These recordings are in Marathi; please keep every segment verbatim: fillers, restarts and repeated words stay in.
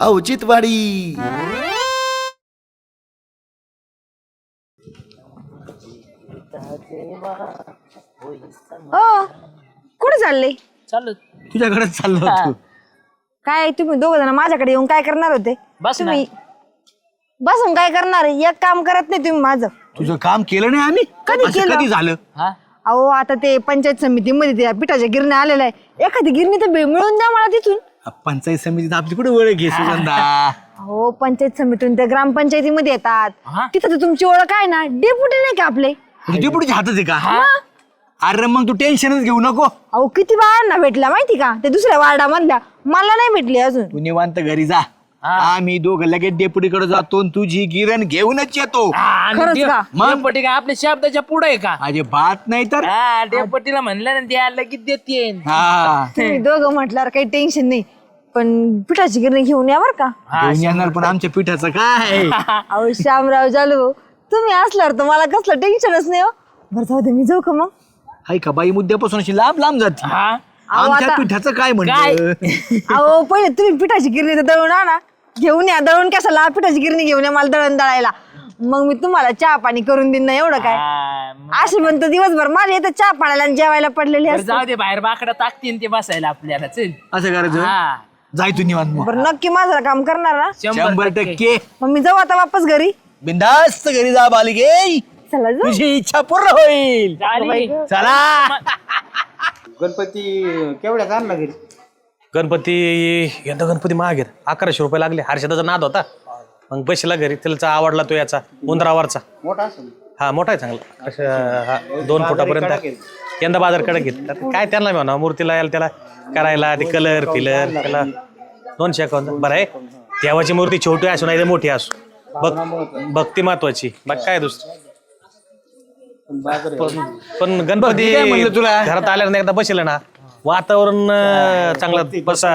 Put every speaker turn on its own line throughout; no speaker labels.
औचित्यवाडी.
हो कुठे चालले?
चालू
तुझ्याकडे चाललो होतो.
काय तुम्ही दोघ जण माझ्याकडे येऊन काय करणार होते?
बस ना.
तुम्ही बसून काय करणार? एक काम करत नाही तुम्ही माझं.
तुझं काम केलं नाही आम्ही?
कधी
असं
केलं?
कधी झालं?
हा
अहो आता ते पंचायत समितीमध्ये त्या पिठाच्या गिरण्या आलेल्या आहे, एखादी गिरणी तर बे- मिळून द्या मला तिथून.
पंचायत समितीत आपली कुठे ओळख घे सुगंधा.
हो पंचायत समितीतून त्या ग्रामपंचायतीमध्ये येतात,
हा?
तिथं तर तुमची ओळख आहे ना, डेप्युटी नाही का आपले?
डेपुटीच्या हातात आहे का? अरे मग तू टेन्शनच घेऊ नको.
अहो किती बाळांना भेटला माहिती का ते दुसऱ्या वार्डामधल्या, मला नाही भेटली अजून.
तू निवांत घरी जा. आम्ही दोघं लगेच डेपुटीकडे जातो आणि तुझी गिरण घेऊनच येतो.
खरंच का?
डेपटी का आपल्या शब्दाच्या पुढे आहे का?
अरे बात नाही तर
हा डेपटीला म्हणलं ना द्या लगेच देते.
हा
तुम्ही दोघं म्हटल्यावर काही टेन्शन नाही, पण पिठाची गिरणी घेऊन या बर का.
घेऊन येणार पण आमच्या पिठाचं काय?
अहो श्यामराव जालू तुम्ही असल्यावर तर मला कसलं टेन्शनच नाही. हो बरं जाऊ दे, मी जाऊ का मग?
हाय का बाई मुद्द्यापासून अशी लांब लांब जाते.
हा
अहो,
आमच्या
आता-
पिठाचं काय
काय?
म्हणतं?
अहो पहिले तुम्ही पिठाची गिरणी तर दळून आणा, घेऊन या. दळून कशाला? पिठाची गिरणी घेऊन या मला दळण दळायला, मग मी तुम्हाला चहा पाणी करून देईन ना. एवढं काय
हा, मग
असे म्हणतो दिवसभर माझे इथं चहा पाण्याला आणि जेवायला पडलेले
बरं
असते.
जाऊ दे बाहेर बाकडा टाकतीन ते बसायला आपल्याला चल.
असं करायचं?
हा
जाय तू निवांत मग.
बरं नक्की माझं काम करणार ना?
शंभर टक्के
मग मी जाऊ आता वापस घरी.
बिंदास्त घरी जा बालिके,
चला जाऊ.
तुझी इच्छा पूर्ण होईल.
झाली.
चला.
गणपती केवढ्यात आणला घरी?
गणपती यंदा गणपती महाग आहेत, अकराशे रुपये लागले. हर्षदाचा नाद होता, मग बसला घरी. त्याला आवडला तो याचा उंदरावरचा.
मोठा असेल.
हा मोठा आहे चांगला, असं, हा, दोन फुटापर्यंत. यंदा बाजार कडक घेत काय त्यांना म्हणा मूर्तीला यायला त्याला करायला ते कलर फिलर त्याला दोनशे अकाउंट. बरं आहे देवाची मूर्ती छोटी असू नाही तर मोठी असू, बघ भक्ती महत्वाची, बघ काय दुसरं. पण पण गणपती
काय म्हणलं तुला?
घरात आल्यावर एकदा बसेल ना वातावरण अं, चांगलं बसा.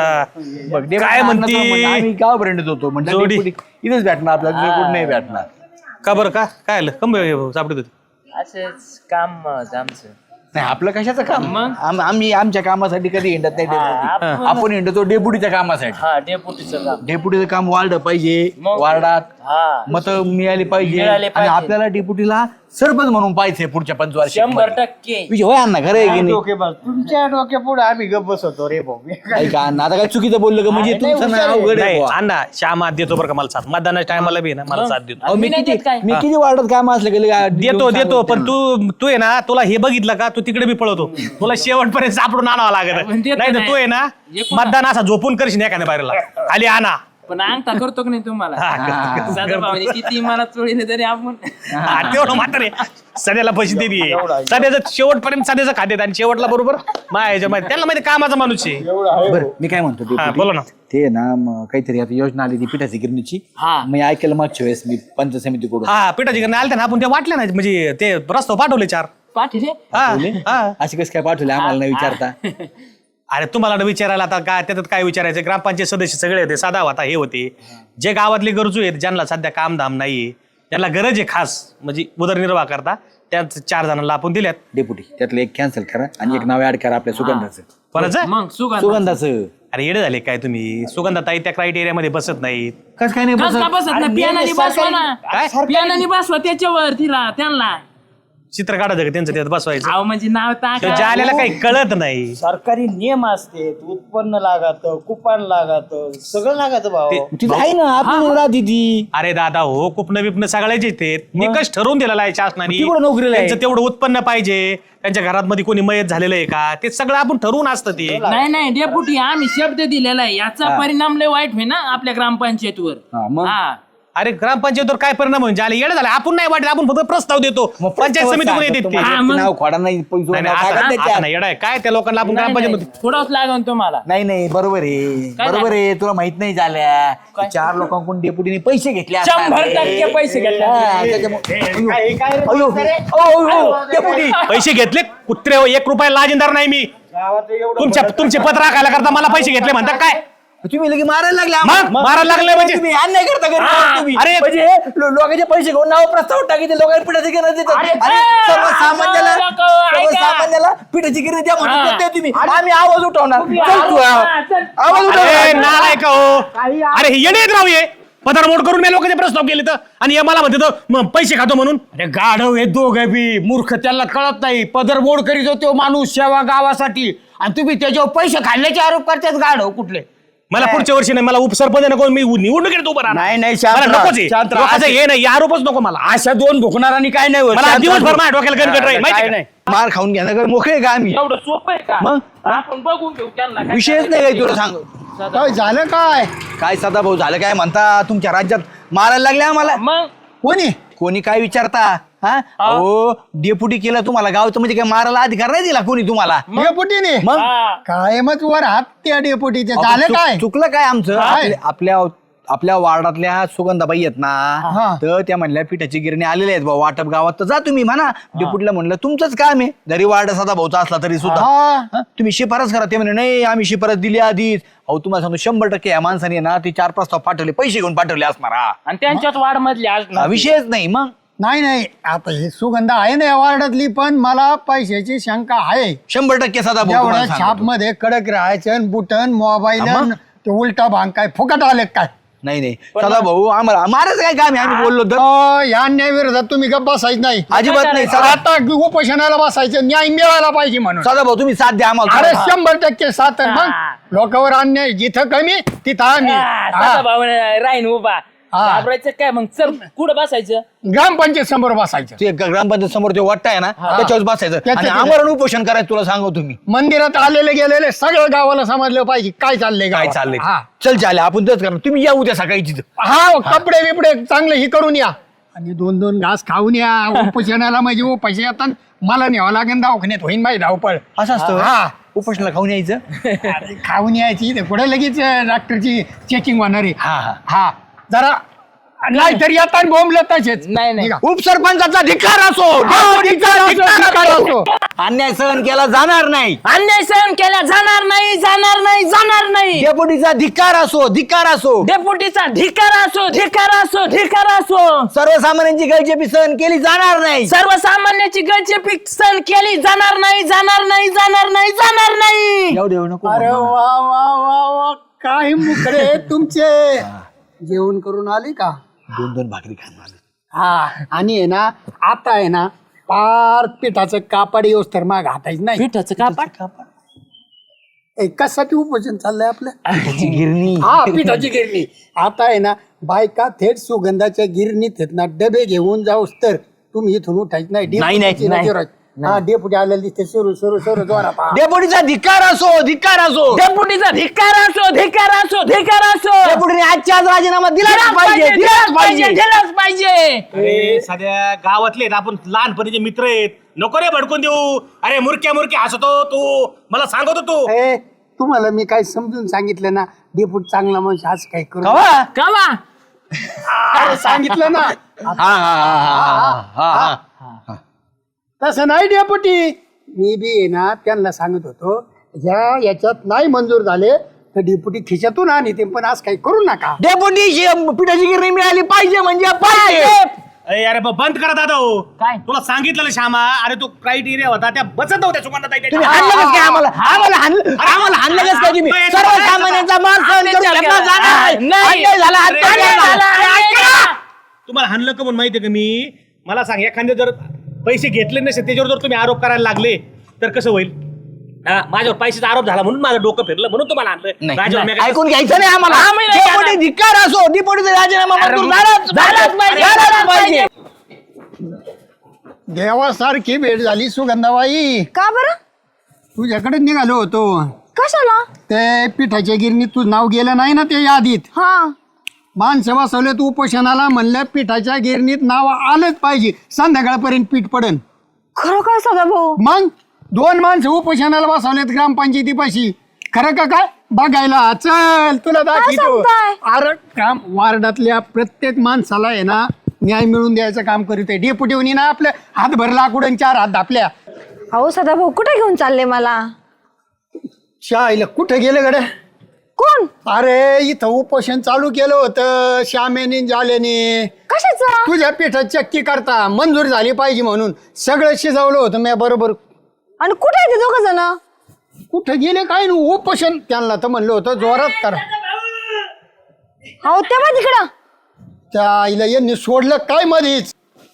काय म्हणती
आम्ही गावापर्यंत होतो म्हणजे
जोडी.
डेपुटी इथेच भेटणार आपल्याला, दुसरं कुठं नाही भेटणार.
का बरं का काय आलं कम सापडत होती?
असंच काम होतं आमचं.
नाही आपलं कशाचं काम?
मग?
आम- आम्ही आमच्या कामासाठी कधी हिंडत नाही डेपुटी.
आपण-
आपण हिंडतो डेपुटीच्या कामासाठी.
हा डेपुटीचं काम.
डेपुटीचं काम वाढलं पाहिजे,
मग?
वार्डात
हा
मत मिळाली पाहिजे
मिळाले
आणि
पाहिजे.
आपल्याला डेपुटीला सरपंच म्हणून पाहिजे पुढच्या पंचवार्षिक
शंभर
मध्ये.
टक्के.
विजय होय अण्णा खरं आहे की नाही?
डोके बस तुमच्या डोक्या पुढे आम्ही गप बसवतो रे भाऊ.
ऐका अण्णा आता काय चुकीचं बोललं का? म्हणजे तुमचं नाव अवघड आहे
नाही
बुवा.
अण्णा श्यामात देतो बरं का मला साथ मतदानाच्या टायमाला बी ना मला साथ देतो.
अहो, मी
मी नाही
किती
देत काय?
मी किती वार्डात काम असलं गेले
देतो देतो पण तू तू आहे ना तुला हे बघितलं का तू तिकडे बी पळवतो, तुला शेवटपर्यंत सापडून आणावं लागत
पण देतो
नाही तर
नाही.
तू आहे ना
एकूण-
मतदान असा झोपून करशील एखाद्या बाहेरला खाली आणा.
पण अंगठा करतो की नाही तुम्हाला? सदाभाऊने किती मला चोळीने तरी आपण
हा, तेवढं मात्र आहे. सध्याला पैसे देते सध्याचं शेवटपर्यंत सध्याचं खाद्यात आणि शेवटला बरोबर मायाच्या माहिती त्यांना माहिती कामाचा माणूस आहे.
बरं मी काय म्हणतो
हा
डेपुटी?
बोला ना.
ते ना मग काहीतरी आता योजना आली ती पिठाची गिरणीची.
हा.
मी ऐकलं मागच्या वेळेस मी पंचायत समितीकडून.
हा पिठाची गिरणी आलते ना आपण ते वाटले नाही म्हणजे ते रस्ता पाठवले चार.
पाठी रे.
हा हा
अशी कसं काय पाठवले आम्हाला नाही विचारता?
अरे तुम्हाला न विचारायला आता काय त्याच्यात काय विचारायचं? ग्रामपंचायत सदस्य सगळे होते, साधा होता हे होते जे गावातले गरजू आहेत ज्यांना सध्या कामधाम नाही, ज्यांना गरज आहे खास म्हणजे उदरनिर्वाह करता, त्याच चार जणांना आपण दिल्यात.
डेपुटी त्यातलं एक कॅन्सल करा आणि एक नाव ऍड करा आपल्या सुगंधाचं.
कोणाचं?
मग सुगंध
सुगंधाचं
अरे येडे झाले काय तुम्ही? सुगंधाताई त्या क्रायटेरियामध्ये बसत नाहीत.
कसं काय नाही
कस का
बसत?
बसत ना पियानाने बसवा ना.
काय
पियानाने बसवा त्याच्यावर तिला त्यांना.
चित्र काढायचं का त्यांचं त्यात बसवायचं?
अहो म्हणजे नाव
तो
टाका.
जाल्याला काही कळत नाही.
सरकारी नियम असते, उत्पन्न लागत, कुपन लागत, सगळं लागत भाऊ.
तिथं आहे ना आपण राहते ती.
अरे दादा हो कुपन बिपन सगळ्याचे ते निकष ठरवून दिलेला आहे शासनाने.
ती कुठं नोकरीला आहे?
त्यांचं तेवढं उत्पन्न पाहिजे, त्यांच्या घरात मध्ये कोणी मयत झालेलं आहे का ते सगळं आपण ठरवून असतं ते.
नाही नाही डेपुटी आम्ही शब्द दिलेला आहे, याचा परिणाम लय वाईट होईल ना आपल्या ग्रामपंचायतीवर.
हा, मग?
हा
अरे ग्रामपंचायतीवर काय परिणाम म्हणजे आले येडे झाले आपण नाही वाटत, आपण फक्त प्रस्ताव देतो
मग
पंचायत समितीकडून येते ते.
तुम्हाला
हा,
ते
मग?
नाव खोडा नाही पैसे
नाही,
नाव
नाही,
टाकत
आता-
त्याच्यात.
आता नाही येडा आहे. काय त्या लोकांना आपण ग्रामपंचायत
थोडाच लागन तुम्हाला.
नाही नाही बरोबर आहे
काय
बरोबर आहे तुला माहित नाही झाल्या ते चार लोकांकडून डेपुटीने पैसे घेतले असणार.
शंभर टक्के पैसे घेतले.
हा, त्याच्यामुळे- अयो, अयो, अयो, अयो, डेपुटी.
पैसे घेतले कुत्रे हो, एक रुपया लाजिंदार नाही मी.
गावात एवढं
तुमच्या तुमचे पत्र राखायला करता मला पैसे घेतले म्हणतात काय?
तुम्ही लगे मारायला लागले
मग
आम्हाला.
मारायला लागले म्हणजे
तुम्ही अन्याय करता घरी
हा.
तुम्ही.
अरे.
म्हणजे लो- लोकांचे पैसे घेऊन नाव प्रस्ताव टाकीते लोकांना पिठाची गिरण देतात
अरे,
आणि
ए,
सर्वसामान्याला
लोकं, ऐका.
सर्वसामान्याला पिठाची गिरण द्या म्हणून
हा.
करताय तुम्ही. आम्ही आवाज उठवणार चल तू आवाज
हा, चल.
आवाज
अरे
उठवणार.
नालाय का हो अरे हे येणे राव ये पदरमोड करून मी लोकांचे प्रस्ताव केले तर आणि हे मला म्हणते तो मग पैसे खातो म्हणून.
अरे गाढव हे दोघं बी मूर्ख, त्याला कळत नाही. पदरमोड करीत होतो माणूस सेवा गावासाठी आणि तुम्ही त्याच्यावर पैसे खाल्ल्याचे आरोप करतात. गाढव कुठले?
मला पुढच्या वर्षी नाही, मला उपसरपंच नको, मी निवडणुकीत उभं राहणार.
नाही, नाही, शांत
मला
राहा,
नकोच आहे.
शांत राहा.
लोकांचं हे नाही, हे आरोपच नको मला.
अशा दोन भुकणारांनी काय नाही होत.
मला
शांत
दिवसभर
राहा.
माझ्या डोक्याला गणगट राहील माहिती
काय
आहे
नाही.
का?
मार खाऊन घेणार मोकळे का आम्ही
एवढं सोपं आहे का
मग?
आपण बघून घेऊ त्यांना काय
विषयच नाही काही तुला सांग
काय झालं काय
काय सदा भाऊ झालं काय म्हणता तुमच्या राज्यात मारायला लागले आम्हाला
मग
कोणी
कोणी काय विचारता हा हो डेप्युटी केलं तुम्हाला गावचं म्हणजे काय मारायला अधिकार नाही दिला कोणी तुम्हाला
डेपुटीने
मग
हा.
कायमच वर हात त्या डेपुटीचे
अहो,
झालं
चुक-
काय
चुकलं काय आमचं
काय?
आपल्या- आपल्या आपल्या वार्डातल्या सुगंधाबाई आहेत
हा.
ना तर त्या म्हणल्या पिठाची गिरणी आलेल्या आहेत भाऊ वाटप गावात तर जा तुम्ही म्हणा डेप्युटीला म्हणलं तुमचंच काम आहे जरी वार्ड सदा भाऊचा असला तरी सुद्धा
हा.
हा? तुम्ही शिफारस करा ते म्हणे नाही आम्ही शिफारस दिली आधीच अहो तुम्हाला सांगतो शंभर टक्के या माणसाने ना ते चार प्रस्ताव पाठवले पैसे घेऊन पाठवले असणार हा.
आणि त्यांच्यात वाढ मधली आज
हा, विषयच नाही मग
नाही नाही आता हे सुगंध आहे ना या वार्डातली पण मला पैशाची शंका आहे
शंभर टक्के सदा भाऊ
एवढ्या
तुम्हाला
छाप
सांगतो.
मध्ये कडक राहायचं बुटन मोबाईल
हा मग?
ते उलटा भांग काय फुकट आले काय
नाही नाही सदा भाऊ आम्हाला मारायचं काय काम आहे आम्ही बोललो तर
अ, या अन्यायाविरोधात तुम्ही गप्प बसायचं नाही
अजिबात नाही सदा
आता उपोषणाला बसायचं न्याय मिळाला पाहिजे म्हणून
सदा भाऊ तुम्ही साथ द्या
अरे
आम्हाला
शंभर टक्के साथ आहे. मग लोकांवर अन्याय जिथं कमी तिथं आम्ही हा.
भाऊ राहीन उभा
हा.
घाबरायचं काय मग चल कुठं बसायचं
ग्रामपंचायत समोर बसायचं
ते ग- ग्रामपंचायत समोर ते वाटत आहे ना त्याच्यावर बसायचं
त्याच्यात
आणि
आहे.
आमरण उपोषण करायचं तुला सांगू तुम्ही
मंदिरात आलेले गेलेले सगळं गावाला समजलं पाहिजे काय चाललंय
काय
गावात.
चाललंय
हा
चल चालेल आपण तेच करणार तुम्ही या उद्या सकाळी तिथं
हा कपडे बिपडे चांगले ही करून या आणि दोन दोन घास खाऊन या उपोषणाला म्हणजे उपाशी येतात मला न्यावं लागेल दवाखान्यात होईन माझी धावपळ
असं असतं
हा
उपोषणाला खाऊन यायचं
अरे, खाऊन यायची ते पुढे लगेच डॉक्टरची चेकिंग होणार आहे
हा हा
हा जरा नाही तरी आता बोंबलं तसेच
नाही, नाही.
निघा.
उपसरपंचाचा धिक्कार असो
हा, धिक्कार असो, धिक्कार असो.
अन्याय सहन केला जाणार नाही
अन्याय सहन केला जाणार नाही जाणार नाही जाणार नाही
डेपुटीचा धिक्कार असो धिक्कार असो
डेपुटीचा धिकार असो धिकार असो धिकार असो
सर्वसामान्यांची गळचेपी सहन केली जाणार नाही
सर्वसामान्याची गळचेपी सहन केली जाणार नाही जाणार नाही जाणार नाही जाणार नाही
येऊ देऊ नको
अरे वा वा वा वा काय मुकडे तुमचे जेवण करून आले का
दोन दोन भाकरी खाणार
हा आणि आहे ना आता आहे ना पार पिठाचं कापड येऊस तर माग हातायच नाही
पिठाचं कापड
ए, कशासाठी उपोषण चाललंय आपलं
त्याची गिरणी
हा पिठाची गिरणी आता आहे ना बायका थेट सुगंधाच्या गिरणीत आहेत ना डबे घेऊन जाऊस तर तुम्ही इथून उठायच नाही
नाही, नाही,
डेपुटीची
नाही.
नजर आहे. हा डेपुटी आलेली दिसते सुरू सुरू सुरू जोरात हा.
डेपुटीचा धिक्कार असो धिक्कार असो
डेपुटीचा धिकार असो धिकार असो धिकार असो
डेपुटीने आजच्या आज राजीनामा दिलाच पाहिजे दिलाच पाहिजे
दिलाच पाहिजे
अरे साध्या गावातले आहेत, आपण लहानपणीचे मित्र आहेत, नको रे भडकून देऊ. अरे मुरक्या मुरक्या हसतो तू, मला सांगतो तू.
ए, तुम्हाला मी काय समजून सांगितलं ना डेपुट चांगला माणूस आज काय करू
कवा
कावा
अरे, सांगितलं ना
हा हा हा हा हा हा
तसं नाही डेपुटी मी बी आहे ना त्यांना सांगत होतो या याच्यात नाही मंजूर झाले तर डेपुटी खिशातून आणि ते पण आज काही करू नका
डेपुटी पिठाची गिरणी मिळाली पाहिजे म्हणजे पाहिजे
अरे अरे ब- बंद करा दादा हो.
काय?
तुला सांगितलं ना श्यामा, अरे तो क्रायटेरिया होता त्या बसत नव्हत्या सुगंधाताई
तुम्ही
त्याच्या.
हाणलं कसं काय आम्हाला आम्हाला हाणलं आम्हाला हाणलं कसं काय तुम्ही सर्वसामान्यांचा मान सहन करून घेतला जाणार
नाही.
अन्याय झाला अन्याय
अन्याय
झाला.
झाला, अन्याय झाला.
तुम्हाला हाणलं का म्हणून माहितीये का मी, मला सांग एखादे जर पैसे घेतले नसेल त्याच्यावर जर तुम्ही आरोप करायला लागले तर कसं होईल? हा, माझ्यावर पैशाचा आरोप झाला म्हणून माझं डोकं फिरलं म्हणून तुम्हाला आणलं.
नाही,
माझ्यावर मी
नाही.
काय-
ऐकून घ्यायचं नाही आम्हाला
आम्ही नाही
डेपुटी धिक्कार असो डेपुटीचा राजीनामा मंजूर झालाच
झालाच पाहिजे,
झालाच
झालाच
पाहिजे
देवासारखी भेट झाली सुगंधाबाई
का बरं
तुझ्याकडे निघालो होतो
कशाला
ते पिठाच्या गिरणीत तुझं नाव गेलं नाही ना ते यादीत
हा
माणसं बसवले तू उपोषणाला म्हणलं पिठाच्या गिरणीत नाव आलंच पाहिजे संध्याकाळपर्यंत पीठ पडन
खरं काय सदा भाऊ
मग दोन माणसं उपोषणाला बसवलेत ग्रामपंचायतीपाशी खरं का काय बघायला चल तुला दाखवतो
सांगताय?
अरे काम वार्डातल्या प्रत्येक माणसाला आहे ना न्याय मिळवून द्यायचं काम करीत आहे डेपुटीवनी ना आपल्या हातभर लाकूड आणि चार हात दापल्या
अहो सदा भाऊ कुठे घेऊन चालले मला
शाळेला कुठे गेले गड्या
कोण?
अरे इथं उपोषण चालू केलं होतं श्यामेनी जालेनी
कशाचं?
तुझ्या पिठात चक्की करता मंजूर झाली पाहिजे म्हणून सगळं शिजवलं होतं मी बरोबर.
आणि कुठे आहे ते दोघ जण?
कुठं गेले काय ना उपोषण त्यांना तर म्हणलं होतं जोरात करा.
हो तेव्हा तिकडं
त्या आईला यांनी सोडलं काय मध्येच.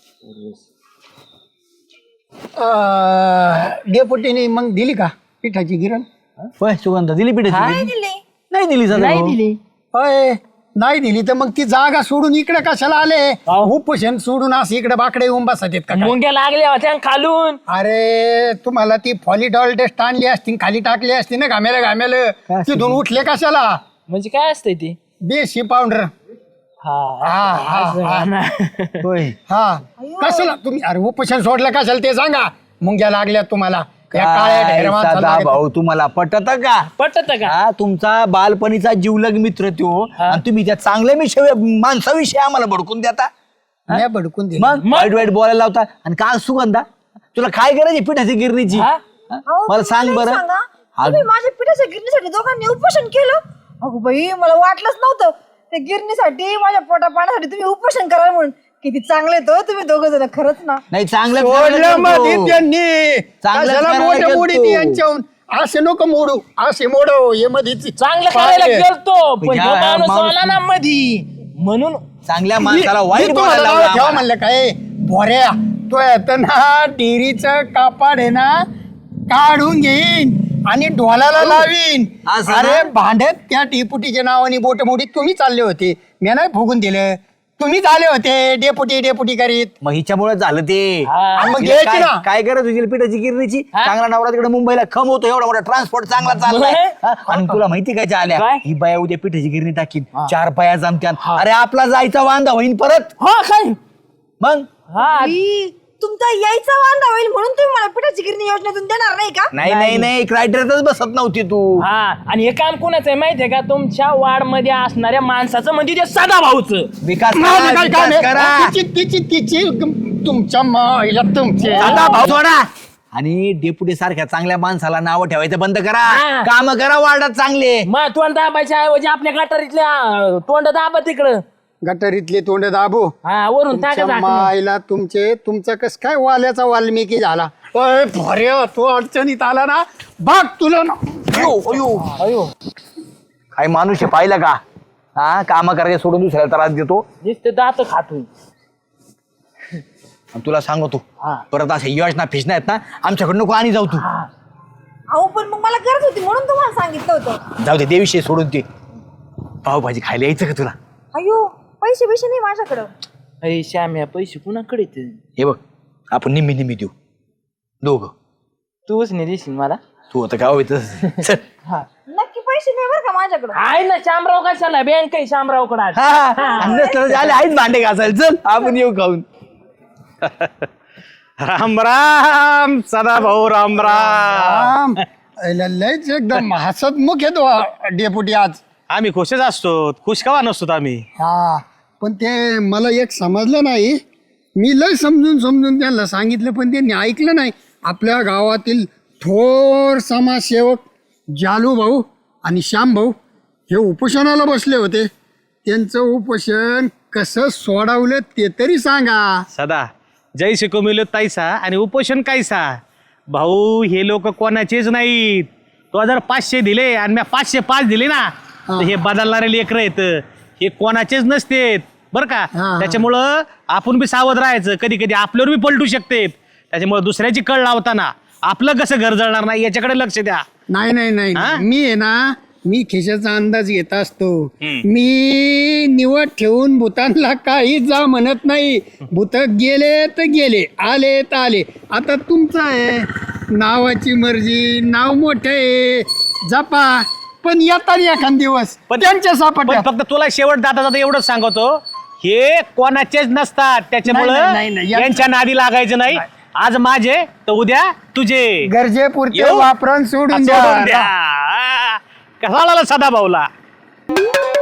डेपुटीने मग दिली का पिठाची गिरण?
होय सुगंधा दिली पिठाची गिरणी?
दिली
नाही दिली सदा
नाही
भाऊ.
दिली.
होय नाही दिली तर मग ती जागा सोडून इकडे कशाला आले? उपोषण सोडून असं इकडे बाकडे येऊन बसत आहेत का काय?
मुंग्या लागल्या होत्या खालून.
अरे तुम्हाला ती फॉलिडॉल टेस्ट आणली असती खाली टाकली असती ना घामेला घामेल तिथून उठले कशाला?
म्हणजे काय असतंय ते?
देशी पावडर.
हा
हा हा हा
होय
हा कशाला तुम्ही अरे उपोषण सोडलं कशाला ते सांगा. मुंग्या लागल्या तुम्हाला या काळ्या
काय
ढेऱ्या माणसाला
सदा
लागल्या.
भाऊ तुम्हाला पटत का?
पटत का?
हा तुमचा बालपणीचा जीवलग मित्र तो आणि तुम्ही त्या चांगल्या विषय माणसाविषयी आम्हाला भडकून देता.
नाही भडकून दिलं.
मग वाईट वाईट बोलायला लावता. आणि का सुगंधा तुला काय गरज आहे पिठाची गिरणीची?
हा?
हा? मला सांग बरं. हा,
तुम्ही माझ्या पिठाच्या गिरणीसाठी दोघांनी उपोषण केलं? अगो बाई मला वाटलंच नव्हतं त्या गिरणीसाठी माझ्या पोटा पाण्यासाठी तुम्ही उपोषण कराल म्हणून. किती चांगले तो तुम्ही दोघ जण खरंच ना.
नाही चांगलं
सोडलं मध्ये त्यांनी
चांगलं
कशाला
करायला
मोठे
गेलतो.
मोडी ती यांच्याहून असे नको मोडू असे मोडो हे मध्ये
चांगलं करायला गेलतो पण
ह्या-
ह्यो
ह्या
माणूस
माणूस-
आला ना मधी म्हणून.
चांगल्या माणसाला वाईट
मी तुम्हाला
बोलायला
नाव ठेवा
लावला.
म्हणलं काय भोऱ्या तो येतं ना डेअरीचं कापाड आहे ना काढून घेईन आणि ढोलाला लावीन.
असं ना?
अरे भांडत त्या टिपुटीच्या नावाने बोट मोडीत तुम्ही चालले होते मी नाही फुगून दिलं. तुम्हीच आले होते डेपुटी डेपुटी करीत.
मग हिच्यामुळे झालं ते.
हा.
आणि मग
तिला
घ्यायची
काय
ना.
काय गरज होती पिठाची गिरणीची?
हा?
चांगला नवरा तिकडे मुंबईला खम होतो एवढा मोठा ट्रान्सपोर्ट चांगला चाललाय.
बरं.
हा? आणि तुला माहिती काय आल्या
काय?
ही बाया उद्या पिठाची गिरणी टाकीन चार पाया जमत्यान. अरे आपला जायचा वांदा होईन परत.
हा काय?
मग
हा
ई, तुमचा यायचा वांदा होईल म्हणून तुम्ही मला पिठाची गिरणी योजनेतून देणार नाही का?
नाही नाही नाही क्रायटेरियातच बसत नव्हती तू.
हा आणि हे काम कोणाचं आहे माहितीये का? तुमच्या वार्ड मध्ये असणाऱ्या माणसाचं म्हणजे ते सदा भाऊचं.
विकास
माझं
करा,
काय काम
विकास करा.
आहे? तिची तिची तिची तुमच्या मायला तुमचे
आता भाऊ सोडा. आणि डेपुटी सारख्या चांगल्या माणसाला नाव ठेवायचं बंद करा.
हा.
काम करा वार्डात चांगले.
मग तोंड दाबायच्या ऐवजी आपल्या गटारीतल्या तोंड दाबा तिकडं.
गटारीतले तोंड दाबू.
हा वरून टाका
तुमच्या
झाकणं.
मायला तुमचे तुमचं कस काय वाल्याचा वाल्मिकी झाला. ओय भर्या तो अडचणीत आला ना बाग तुला ना.
अयो, अयो, अयो. काय माणूस आहे पाहिलं का? हा काम करायचे सोडून दुसऱ्याला त्रास देतो.
नुसते दात खातोय.
आणि तुला सांगतो परत अशा योजना फिशना आहेत ना आमच्याकडे नको आणि जाऊ तू.
अहो पण मग मला गरज होती म्हणून तुम्हाला सांगितलं होतं.
जाऊ दे देविषयी सोडून ते. पावभाजी खायला यायचं का तुला?
अयो पैसे पैसे नाही माझ्याकडं.
अरे श्याम्या पैसे कुणाकडे आहेत?
हे बघ आपण निम्मी निम्मी देऊ दोघं.
तूच नाही देशील मला.
तू आता गाव येतच.
नक्की पैसे नाही बरं का माझ्याकडं.
आहे ना शामराव कशाला बँक आहे शामरावकडे आज.
आले आहेत भांडे घासायला. चल आपण येऊ खाऊन.
राम राम सदा भाऊ राम राम.
राम अयला लयच एकदम हसतमुख येतो डेपुटी आज.
आम्ही खुशच असतो खुश कवा नसतो आम्ही.
हा पण ते मला एक समजलं नाही. मी लय समजून समजून त्यांना सांगितलं पण त्यांनी ऐकलं नाही. आपल्या गावातील थोर समाजसेवक जालू भाऊ आणि श्याम भाऊ हे उपोषणाला बसले होते. त्यांचं उपोषण कसं सोडवलं ते तरी सांगा.
सदा जय शिको मिलो ताईसा आणि उपोषण कायसा. भाऊ हे लोक कोणाचेच नाहीत. तो जर पाचशे दिले आणि मी पाचशे पाच दिले ना तर हे बदलणारे लेकर आहेत. हे कोणाचेच नसतेत बरं का.
हा.
त्याच्यामुळं आपण बी सावध राहायचं. कधी कधी आपल्यावर बी पलटू शकते. त्याच्यामुळे दुसऱ्याची कळ लावताना आपलं कसं घर जळणार नाही याच्याकडे लक्ष द्या.
नाही नाही नाही
हा?
मी आहे ना मी खिशाचा अंदाज घेत असतो.
हम्म.
मी निवड ठेवून भूतांना काही जा म्हणत नाही. भूत गेले तर गेले आले तर आले. आता तुमचं आहे नावाची मर्जी नाव मोठे आहे जपा पण येतात एखाद दिवस
पण-
त्यांच्या
पण
सापडल्या.
फक्त तुला शेवट जाता जाता एवढंच सांगतो हे कोणाचेच नसतात.
नाही,
त्याच्यामुळं
नाही, नाही, या-
यांच्या नादी लागायचं नाही. आज माझे तर उद्या तुझे.
गरजेपुरते
येऊ?
वापरून सोडून
सोडून
द्या.
द्या. कसा आला सदा भाऊला.